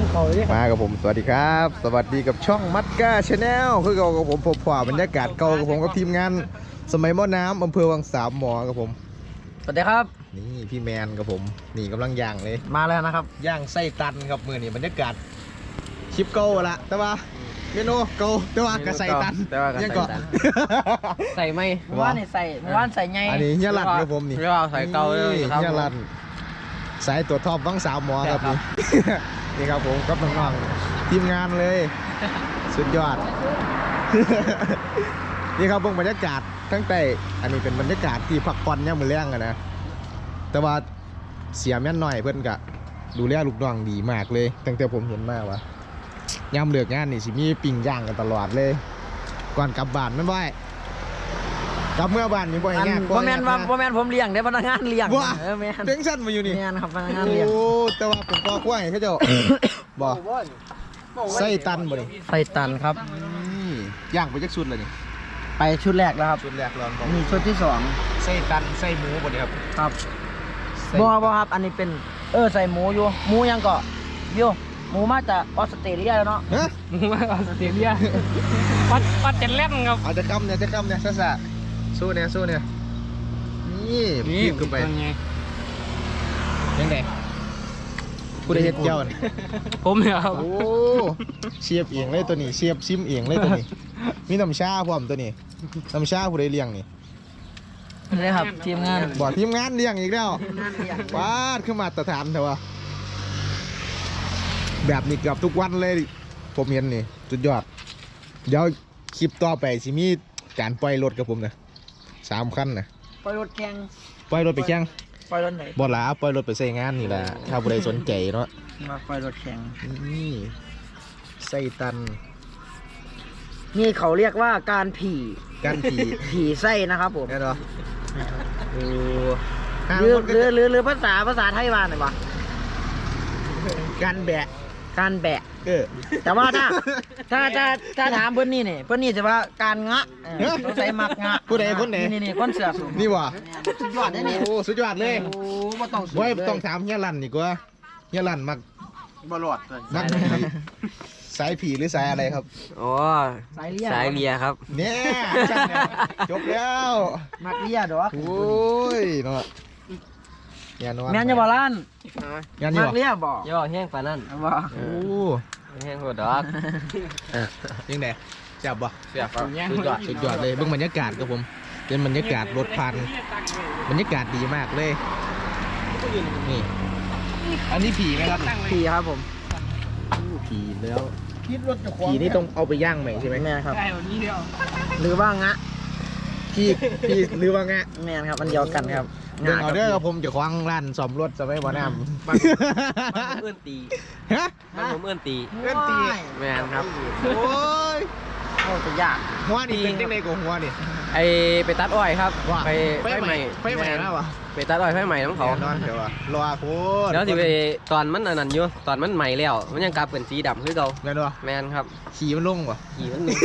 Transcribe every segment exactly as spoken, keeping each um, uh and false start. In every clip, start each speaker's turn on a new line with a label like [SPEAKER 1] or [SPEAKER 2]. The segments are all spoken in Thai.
[SPEAKER 1] เขาเลย
[SPEAKER 2] มากับผมสวัสดีครับสวัสดีกับช่องมัดก้าชาแนลคือเก่ากับผมพบผ่าบรรยากาศเก่ากับผมกับทีมงานสมัยม่อน้ำอำเภอวังสามหมอกับผม
[SPEAKER 1] สวัสดีครับ
[SPEAKER 2] นี่พี่แมนกับผมนี่กำลังย่างเลย
[SPEAKER 1] มาแล้วนะครับ
[SPEAKER 2] ย่างไส้ตันครับมือนี่บรรยากาศคลิปเก่าละแต่ว่าเมนูเก่าแต่ว่ากระใส่ตัน
[SPEAKER 1] แต่ว่ากระใส่ตันใส่ไม่เมื่อวานนี่ใส่เมื่อวานใส่ไง
[SPEAKER 2] อันนี้เฮียรันครับผมนี่
[SPEAKER 1] เรียกว่าใส่เก่าเลยครับ
[SPEAKER 2] เฮียรันสายตัวท็อปวังสามหมอครับนี่นี่ครับผมกับน้องๆทีมงานเลยสุดยอด นี่ครับเบิ่งบรรยากาศทั้งแต่อันนี้เป็นบรรยากาศที่พักผ่อนย่ำมือแรงอะนะแต่ว่าเสียแม่นหน่อยเพื่อนกะดูแลลูกน้องดีมากเลยตั้งแต่ผมเห็นมากว่าย่ำเลือกงานนี่สิมีปิ้งย่างกันตลอดเลยก่อนกลับบ้านไม่ไหวกลับเมื่อบ้านยังบ่อยงาน
[SPEAKER 1] พ่อแม่นว่าพ่อแม่นผมเลี้ยงได้พนักงานเลี้ยง
[SPEAKER 2] เออแม่นเต็งสั้นมาอยู่นี่
[SPEAKER 1] แม่นครับพนักงานเลี้ยง
[SPEAKER 2] โอ้แต่ว่าผมก็ควายเขาเจ้าบอกไส้ตันบ่นี่
[SPEAKER 1] ไส้ตันครับ
[SPEAKER 2] ย่างไปจักชุดเลยนี่
[SPEAKER 1] ไปชุดแรกแล้วครับ
[SPEAKER 2] ชุดแรกรอน
[SPEAKER 1] มีชุดที่สอง
[SPEAKER 2] ไส้ตันไส้หมูบ่นี่ครับ
[SPEAKER 1] ครับบ่บ่ครับอันนี้เป็นเออใส่หมูอยู่หมูยังก็โยหมูมาจากออสเตรเลียแล้วเนาะ
[SPEAKER 2] หมู
[SPEAKER 1] มาจากออสเตรเลียปัดปัดเจ็ดเล่มครับ
[SPEAKER 2] เอาจะคำเนี่ยจะคำเนี่ยซะซะสู้เนี่ยสู้เนี่ยนี่พีบขึ้นไปยังไงผู้ใดเฮ็ดเจ้านี่
[SPEAKER 1] ผมเนี่ยครับ
[SPEAKER 2] โอ้เชียบเอียงเลยตัวนี้เชียบซิมเอียงเลยตัวนี้มีน้ำชาพร้อมตัวนี้น้ำชาผู้ใดเลี้ยงนี่
[SPEAKER 1] นี่ครับทีมงาน
[SPEAKER 2] บอกทีมงานเลี้ยงอีกแล้ววาดขึ้นมาตรฐานเถอะวะแบบนี้เกือบทุกวันเลยผมเห็นนี่สุดยอดเดี๋ยวคลิปต่อไปสิมีการปล่อยรถกับผมนะสามคันนะ
[SPEAKER 1] ปล่อยรถแข่ง
[SPEAKER 2] ปล่อยรถไปแข่ง
[SPEAKER 1] ปล่อยรถไหน
[SPEAKER 2] บ่หลาปล่อยรถไปใส่งานนี่แหละถ้าผู้ใดสนใจเนาะ
[SPEAKER 1] มาปล่อยรถแข่ง
[SPEAKER 2] นี่ไส้ตัน
[SPEAKER 1] นี่เขาเรียกว่าการผี
[SPEAKER 2] การผี
[SPEAKER 1] ผีไส้นะครับผม
[SPEAKER 2] แน่นอนโอ้
[SPEAKER 1] หรือหรือหรือหรือภาษาภาษาไทยว่าหน่อยวะ
[SPEAKER 2] การแบะ
[SPEAKER 1] การแบะ
[SPEAKER 2] เออ
[SPEAKER 1] แต่ว่าถ้าถ้าถ้าถ้าถามเพื่อนนี่เนี่ยเพื่อนนี่จะว่าการงะต้องใช้มักงะ
[SPEAKER 2] ผู้ใดคนไหน
[SPEAKER 1] นี่นี่คนเสือสูง
[SPEAKER 2] นี่วะ
[SPEAKER 1] สุดยอดเลยนี่
[SPEAKER 2] โอ้สุดยอดเลย
[SPEAKER 1] โอ้ไม่ต้อง
[SPEAKER 2] ไว้ต้องถามเฮียรันดีกว่าเฮียรันมัก
[SPEAKER 1] บอลอด
[SPEAKER 2] มักผีสายผีหรือสายอะไรครับ
[SPEAKER 1] อ๋อสายเลียสายเลียครับ
[SPEAKER 2] เนี่ยจบแล้ว
[SPEAKER 1] มักเลียดอก
[SPEAKER 2] โอ้ยเนาะแม่นว่า
[SPEAKER 1] แม่นจะบอล้าน
[SPEAKER 2] มั
[SPEAKER 1] กเลียบอก
[SPEAKER 3] ย่อแห้งปานนั่น
[SPEAKER 1] บ่
[SPEAKER 2] โอ้
[SPEAKER 3] แห้งหัวดอก
[SPEAKER 2] ยังไงจับบ่
[SPEAKER 3] จับ
[SPEAKER 2] สุดยอดสุดยอดเลยเบิ่งบรรยากาศครับผมเป็นบรรยากาศรถพันบรรยากาศดีมากเลยนี่อันนี้ผีไหมครับ
[SPEAKER 1] ผีครับผม
[SPEAKER 2] ผีแล้วผีนี่ต้องเอาไปย่างใหม่ใช่ไหม
[SPEAKER 1] แม่ครับหรือว่างะ
[SPEAKER 2] พี่พี่หรือว่างะ
[SPEAKER 1] แม่ครับมันเดียวกันครับ
[SPEAKER 2] เดินเอาเด้อครับผมจะคว้างร้านซ่อมรถจะไม่บ่อน้ำ
[SPEAKER 3] มันเอื้อนตี
[SPEAKER 2] ฮะ
[SPEAKER 3] มันผมเอื้อนตี
[SPEAKER 2] เอื้อนตี
[SPEAKER 3] แม่ครับ
[SPEAKER 2] โอ้ย
[SPEAKER 1] โอ้จะยาก
[SPEAKER 2] หัวนี่เป็นยังไงกับหัวนี่
[SPEAKER 3] ไอไปตัดอ้อยครับไปไฟใหม่
[SPEAKER 2] ไฟใหม่แล้ววะ
[SPEAKER 3] ไปตัดอ้อยไฟใหม่น้ำเขา
[SPEAKER 2] นอนเดี๋ยววะรอโคตร
[SPEAKER 3] แล้วที่ไปตอนมันนั่นอยู่ตอนมันใหม่แล้วมันยังกลับเป็นสีดำคือเก่า
[SPEAKER 2] แม่นวะ
[SPEAKER 3] แม่นครับ
[SPEAKER 2] ขี่มันลงวะ
[SPEAKER 3] ขี่มันลง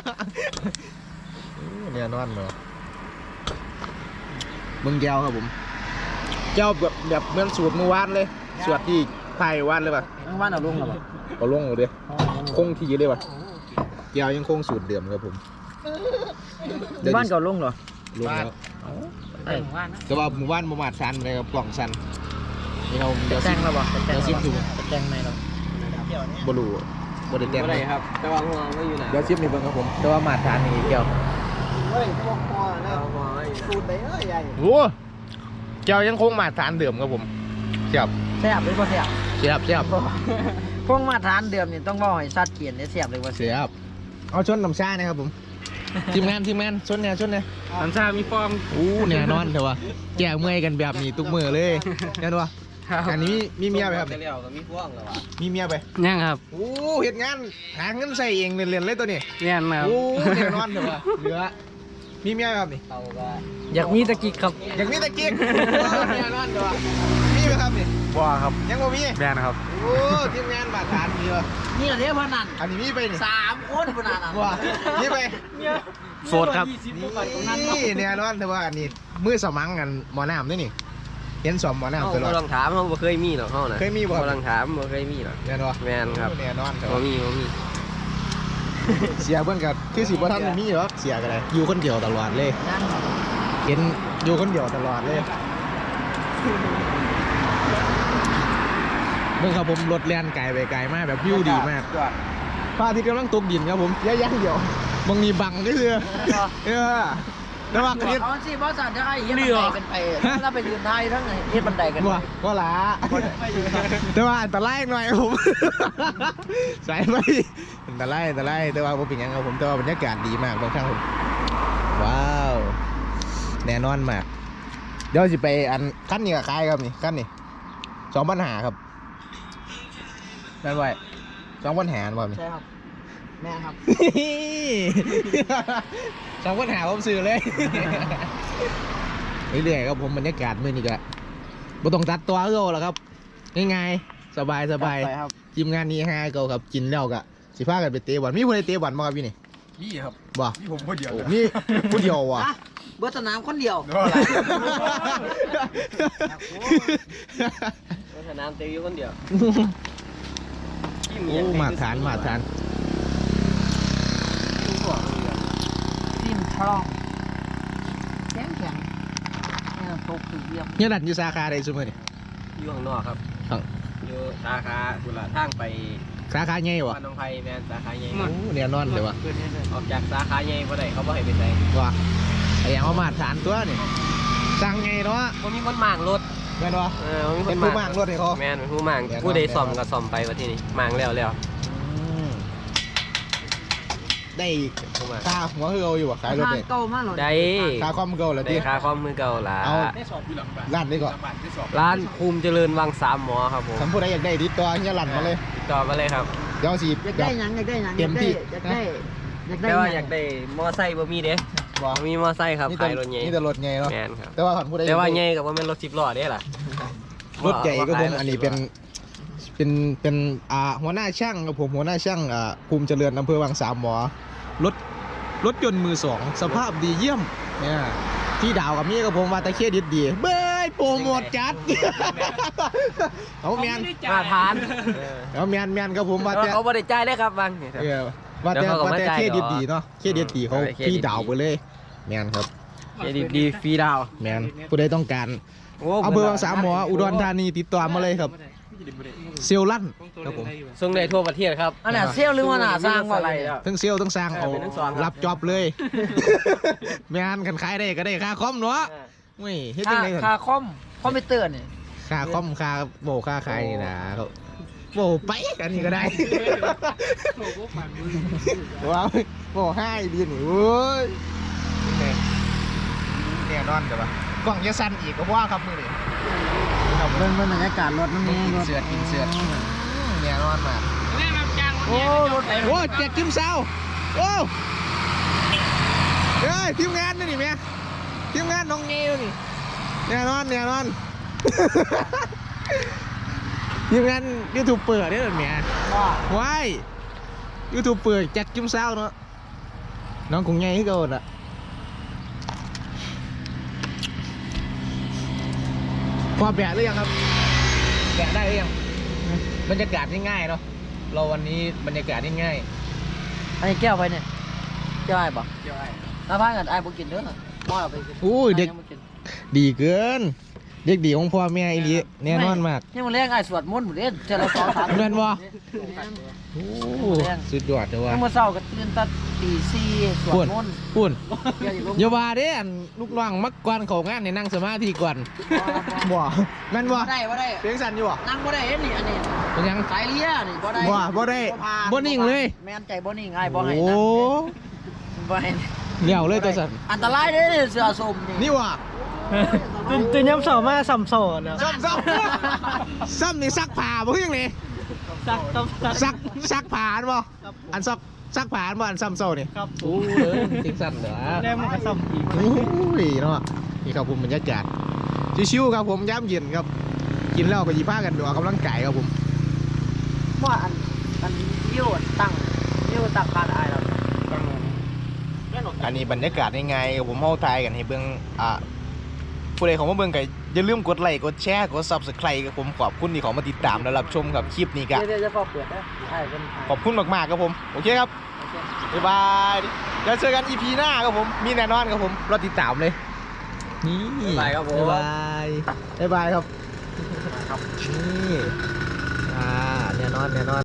[SPEAKER 2] เนี่ยนอนเหรอมึงแก้วครับผมเจ้าแบบแบบเหมือนสูตรเมื่อวานเลยสวดที่ไทยวานเลยป่ะ
[SPEAKER 1] เมื่อวานเอาลงหรอป่ะ
[SPEAKER 2] เอาลงเลยคงทีเลยป่ะแก้วยังคงสูตรเดิมครับผม
[SPEAKER 1] บ้านเก่าลงเหรอ
[SPEAKER 2] ลงแล้วแต่ว่าหมู่บ้านประมาทชันเลยครับกล่องชันนี่เรา
[SPEAKER 1] เดี๋ยวแจ้งเราบอก
[SPEAKER 2] เดี๋ยวซิปดู
[SPEAKER 1] แจ้งไหมเรา
[SPEAKER 2] บลูบลูแจ้ง
[SPEAKER 3] เลยครับแต่ว่าหัวไม่อยู่ไหน
[SPEAKER 2] เดี๋ยวซิปนี่เบิ่งครับผมแต่ว่ามาทานนี่แก้ว
[SPEAKER 1] เฮ้ยพวกคอนะสูตรไหนเอ้ยใหญ่
[SPEAKER 2] โอ้แก้วยังคงมาทานเดิมครับผมเสียบ
[SPEAKER 1] เสียบหรือเปล่าเสียบ
[SPEAKER 2] เสียบเสียบ
[SPEAKER 1] พวกมาทานเดิมนี่ต้องบอกให้ซัดเขียนเนี่ยเสียบเลยว่า
[SPEAKER 2] เสียบเอาชนน้ำชานะครับผมทีมงานทีมงานชนเนี่ยชนเนี่ย
[SPEAKER 3] น้ำชามีฟอร์ม
[SPEAKER 2] อู้เนี่ยนอนเถอะวะแก้เมื่อยกันแบบนี้ทุกมือเลยเนี่ยวะอันนี้มีเมียไปครับ
[SPEAKER 3] มีพวงเหรอวะ
[SPEAKER 2] มีเมียไป
[SPEAKER 3] ยังครับ
[SPEAKER 2] โอ้เห็นงานหาเงินใส่เองเรียนๆเลยตัวนี้
[SPEAKER 3] เนี่ยครับ
[SPEAKER 2] โอ้เนี่ยนอนเถอะวะเหลือมีเมียครับนี่
[SPEAKER 1] อยากมีตะกิกครับ
[SPEAKER 2] อยากมีตะกิกเนี่ยนอนเถอะวะมีไหมครับนี่
[SPEAKER 3] ว้าครับ
[SPEAKER 2] ยังบ่มี
[SPEAKER 3] แม่นะครับ
[SPEAKER 2] โอ้ทีมงานบาดฐานมีวะ
[SPEAKER 1] นี่เหรอเนี่ยพนัน
[SPEAKER 2] อันนี้มีไปนี่
[SPEAKER 1] สามคนพนันอ่ะ
[SPEAKER 2] ว้ามีไป
[SPEAKER 3] โสดครับ
[SPEAKER 2] นี่เนี่ยนอนเถอะวะอันนี้มือสมังกันหมอน้ำนี่นี่เห็นสอมหมอ
[SPEAKER 3] เฮา
[SPEAKER 2] น้ำตลอ
[SPEAKER 3] บ่
[SPEAKER 2] ด
[SPEAKER 3] ต้องถามเฮาบ่เคยมีหรอกเฮาน่ะ
[SPEAKER 2] เคยมีบ่
[SPEAKER 3] บ่ต้องถามบ่เคยมีหรอก
[SPEAKER 2] แน่นอน
[SPEAKER 3] แม่นครับ
[SPEAKER 2] แน่นอนครับ
[SPEAKER 3] บ่มีบ่มี
[SPEAKER 2] เสียเพิ่นก็คือสิบ่ทันได้มีหรอกเสียก็ได้อยู่คนเดียวตลอดเลย
[SPEAKER 1] นั่ง
[SPEAKER 2] เห็นอยู่คนเดียวตลอดเลยเมื่อครับผมรถแล่นไกลไปไกลมากแบบวิวดีมากพระอาทิตย์กำลังตกดินครับผมย่างเดียวบางนีบังก็คือเออแต่ว่า
[SPEAKER 1] เอาสิบอสันจะให้เฮ็ดบันไดกันไปถ้าไปยืนท้ายทั้งไหนเฮ็ดบันไดกัน
[SPEAKER 2] บ่ก็หลาแต่ว่าอันตรายหน่อยครับผมสายไปอันตรายอันตรายแต่ว่าผมเป็นหยังครับผมแต่ว่าบรรยากาศดีมากบางครั้งผมว้าวแน่นอนมากเดี๋ยวสิไปอันขั้นนี้กับใครครับนี่ขั้นนี้สองปัญหาครับได้ไหมสองปัญหาบ่นี่
[SPEAKER 1] ใช่ครับแม่ครับ
[SPEAKER 2] สองปัญหาผมซื้อเลยเรื่อยๆครับผมบรรยากาศมื้อนี้ก็บ่ต้องตัดตัวเก่าแล้วครับง่ายๆสบายสบาย
[SPEAKER 1] ไปครับ
[SPEAKER 2] ทีมงานนี้ฮาเก่าครับกินแล้วก็สิพากันไปเตะบอลมีผู้ใดเตะบอลบ่ครับพี่นี่
[SPEAKER 4] นี่ครับ
[SPEAKER 2] บ่
[SPEAKER 4] นี่ผมคนเดียว
[SPEAKER 2] โอ้มีผู้เดียวว่ะ
[SPEAKER 1] อ่ะเบิร์สนามคนเดียว
[SPEAKER 3] สนามเตะอยู่คนเดียว
[SPEAKER 2] โอ้มาทานมาทาน
[SPEAKER 1] ทีมทรองแข็งแข็งเนี่ยตกคือเยี่ยม
[SPEAKER 2] เนี่ยดันอยู่สาขาใดซุมื้อนี่
[SPEAKER 3] อยู่ข้างนอกครับ
[SPEAKER 2] ครับ
[SPEAKER 3] อยู่สาขาบุรีทางไป
[SPEAKER 2] สาขาใหญ่บ่
[SPEAKER 3] บ้านหนองไผ่แม่นสาขาใหญ่
[SPEAKER 2] โอ้แน่นอนเลยว่ะ
[SPEAKER 3] ออกจากสาขาใหญ่บ่ได้เขาบ่ให้ไปใส่
[SPEAKER 2] ว่ะไอ้หยังว่ามาทานตัวนี่สั่งไงเนาะ
[SPEAKER 3] บ่มีคนมางรถ
[SPEAKER 2] แม่นบ่
[SPEAKER 3] เออบ่มีค
[SPEAKER 2] เป็น
[SPEAKER 3] น
[SPEAKER 2] ผู้มากรถให้เขา
[SPEAKER 3] แม่นเป็นผู้มาง
[SPEAKER 2] แม่น
[SPEAKER 3] ผู้ใดซ่อมก็ซ่อมไปว่าที่นี่มางแล้วแล้ว
[SPEAKER 2] อืมได้
[SPEAKER 3] ผู้มาง
[SPEAKER 2] ค่าหัวคือเอาอยู่บ่ขายรถนี่
[SPEAKER 1] เก่ามากเลย
[SPEAKER 3] ได้
[SPEAKER 2] ค่าคอมเก่าแล้ว
[SPEAKER 3] ได้
[SPEAKER 2] ติ
[SPEAKER 3] ค่าคอมมือเก่าล่ะ
[SPEAKER 2] เอา
[SPEAKER 4] ได้สอบอยู่หลังบ้าน
[SPEAKER 2] ร้านนี้ก่อน
[SPEAKER 4] หลังบ้านได้สอบ
[SPEAKER 3] ร้านภูมิเจริญวังสามหมอครับผม
[SPEAKER 2] สำผู้ใดอยากได้ติดต่อเฮียหลั่นมาเลย
[SPEAKER 3] ติดต่อมาเลยครับ
[SPEAKER 2] เดี๋ยวสิ
[SPEAKER 1] อยากได้หยังอยากได้หยัง
[SPEAKER 2] เต็มที่
[SPEAKER 1] อยากได้อยากได้
[SPEAKER 3] แต่ว่าอยากได้มอไซค์บ่มีเด้
[SPEAKER 2] บ่
[SPEAKER 3] บ่มีมอไซค์ครับ
[SPEAKER 2] นี่แต่
[SPEAKER 3] ขายรถใหญ่
[SPEAKER 2] นี่แต่รถใหญ่เนาะ
[SPEAKER 3] แม่นครับ
[SPEAKER 2] แต่ว่าขันผู้ใด
[SPEAKER 3] แต่ว่าใหญ่ก็บ่แม่นรถสิบล้อเด้ล่ะ
[SPEAKER 2] รถใหญ่ก็ผมอันนี้เป็นเป็นเป็นอ่าหัวหน้าช่างกับผมหัวหน้าช่างอ่าภูมิเจริญอำเภอวังสามหมอรถรถยนต์มือสองสภาพดีเยี่ยมเนี่ยที่ดาวกับมี่กับผมว่าตะเครดิตดีเบ้ยโปรโมทจัดเอาแมน
[SPEAKER 3] มาทาน
[SPEAKER 2] เอาแมนแมนกับผมว่า
[SPEAKER 3] แต่
[SPEAKER 2] แต่
[SPEAKER 3] ว่าเขาบ่ได้จ่ายเลยครับบางนี่ครับ
[SPEAKER 2] เออว่าแต่
[SPEAKER 3] เดี๋ยวเขาก็
[SPEAKER 2] ว่าแต่
[SPEAKER 3] มาจ่าย
[SPEAKER 2] เครดิต
[SPEAKER 3] ดอก
[SPEAKER 2] ดีเนาะเครดิตดีเขา
[SPEAKER 3] เออเครดิต
[SPEAKER 2] พี่ดาวไปเลยแมนครับ
[SPEAKER 3] เครดิตดีฟรีดาว
[SPEAKER 2] แมนผู้ใดต้องการ
[SPEAKER 3] โอ้
[SPEAKER 2] อำเภอวังสามหมออุดรธานีติดต่อมาเลยครับเซลลั่นครับผม
[SPEAKER 3] ส่งได้ทั่วประเทศครับ
[SPEAKER 1] อันน่ะเซลลหรือว่าหน้าสร้างว่าอะไร
[SPEAKER 2] ทั้งเซลล์ทั้งสร้างเอา
[SPEAKER 3] เออเป็นทั้งสองครับ
[SPEAKER 2] รับจอบเลยแม่นกันขายได้ก็ได้ค่าคอมเนาะไม่เฮ็ดจั
[SPEAKER 1] ค่าง
[SPEAKER 2] ได๋
[SPEAKER 1] ค่าคอมคอมพิวเตอร์นี่
[SPEAKER 2] ค่าคอมค่าโบค่าขายนี่นะโบไปกันนี่ก็ได้ว้าวโบให้ดีนี่โอ้ยแน่นอนเดี๋ยวว่ากล้องจะสั่นอีกก็ว่าครับมื้อนี้
[SPEAKER 1] ครับเบิ่งบรรยากาศรถมัน
[SPEAKER 2] กิ
[SPEAKER 1] นี่
[SPEAKER 2] น
[SPEAKER 1] รถ
[SPEAKER 2] เสือกินเสือแน่นอนมาก
[SPEAKER 1] โอ้รถไหน
[SPEAKER 2] โอ้แจกจิ้มเซาโอ้เฮ้ยทีมงานนี่นี่แม่ทีมงานน้องเงี้ยนี่แน่นอนแน่นอน ทีมงานยูทูบเปิดได้หรือแม่ว้ายยูทูบเปิดแจกจิ้มเซาเนาะน้องคงไงที่เก่าอ่ะพอแบะหรือยังครับแบะได้หรือยังบรรยากาศง่ายๆเนาะเราวันนี้บรรยากาศง่าย
[SPEAKER 1] อันนี้แก้วไปเนี่ยแก้วไอ้บ่
[SPEAKER 4] เกี่ยวไอ้
[SPEAKER 1] ถ้าพากันไอ้บ่กินเด้อบ่เอาไปกิน
[SPEAKER 2] ๆอุ้ยเด็ก
[SPEAKER 1] ไอ้ยังบ่กิน
[SPEAKER 2] ดีเกิน เด็กดีของพ่อแม่อีหลีแน่นอนมาก
[SPEAKER 1] นี่มันเลี้ยงไอ้สวดมนต์หมดเด้เจอละสองสาม
[SPEAKER 2] แม่นบ่
[SPEAKER 1] แ
[SPEAKER 2] โอ้สุดยอดเลยว่ะ
[SPEAKER 1] เมื่อเช้าก็ตื่นตั้งตีสี่สวด
[SPEAKER 2] ปุ่น
[SPEAKER 1] มนต์
[SPEAKER 2] ปุ่น
[SPEAKER 1] เดี๋ยวอยู่ลง
[SPEAKER 2] อย่าว่าเด้อันลูกน้องมักกวนเขางานในนั่งสมาธิก่อนบ่แม่นบ่
[SPEAKER 1] บ่ได้บ่ได้
[SPEAKER 2] เพียงสั่นอยู่บ่
[SPEAKER 1] นั่งบ่ได้เห็นนี่อันนี้
[SPEAKER 2] เป็นหยัง
[SPEAKER 1] สายเลียนี่บ่ได้
[SPEAKER 2] บ่บ่ได้
[SPEAKER 1] ผ่าน
[SPEAKER 2] บ่นิ่งเลย
[SPEAKER 1] แม่นใจบ่นิ่งไอ้บ่ให้
[SPEAKER 2] โอ้
[SPEAKER 1] นั่งบ่ให้
[SPEAKER 2] เลี้ยวเลยตัวสั่น
[SPEAKER 1] อันตรายเด้อเสือสมนี่
[SPEAKER 2] นี่ว่ะ
[SPEAKER 1] ตื่นตื่นย้ำเสามาสัมโซนนะ
[SPEAKER 2] ซ้ำซ้ำซ้ำนี่ซักผ้าบ่คือหยังนี่
[SPEAKER 1] สักสัก
[SPEAKER 2] ซักซักผ้าอันบ่อันซักซักผ้าอันบ่อันซ้ำโซนี่
[SPEAKER 1] ครับ
[SPEAKER 2] โอ้เด้อจริงสั่นเด้อ
[SPEAKER 1] แล้มันก็สัมอีก
[SPEAKER 2] โอ้ยเนาะนี่ครับผมบรรยากาศชิวๆครับผมย้ำเย็นครับ กินแล้วก็หยิบผ้ากันดูออกกำลังกายครับผม
[SPEAKER 1] ว่าอันอันยิ้วตั้งยิ้วตั้งการอายแล้ว
[SPEAKER 2] อันนี้บรรยากาศยังไงผมเฮาทายกันให้เบิ่งอ่ะผู้ใดของมาเบิ่งก็อย่าลืมกดไลค์กดแชร์กด ซับสไครบ์ กับผมขอบคุณที่เขามาติดตามและรับชมครับคลิปนี้ก็
[SPEAKER 1] เดี๋ยวจะฟอกเปิดนะใช่เป็น
[SPEAKER 2] ขอบคุณมากๆครับผมโอเคครับบ๊ายบายเดี๋ยวเจอกัน อี พี หน้าครับผมมีแน่นอนครับผมรอติดตามเลยนี่
[SPEAKER 3] บ๊ายบายครับผม
[SPEAKER 2] บ๊ายบายบ๊ายบายครับนี่อ่าแน่นอนแน่นอน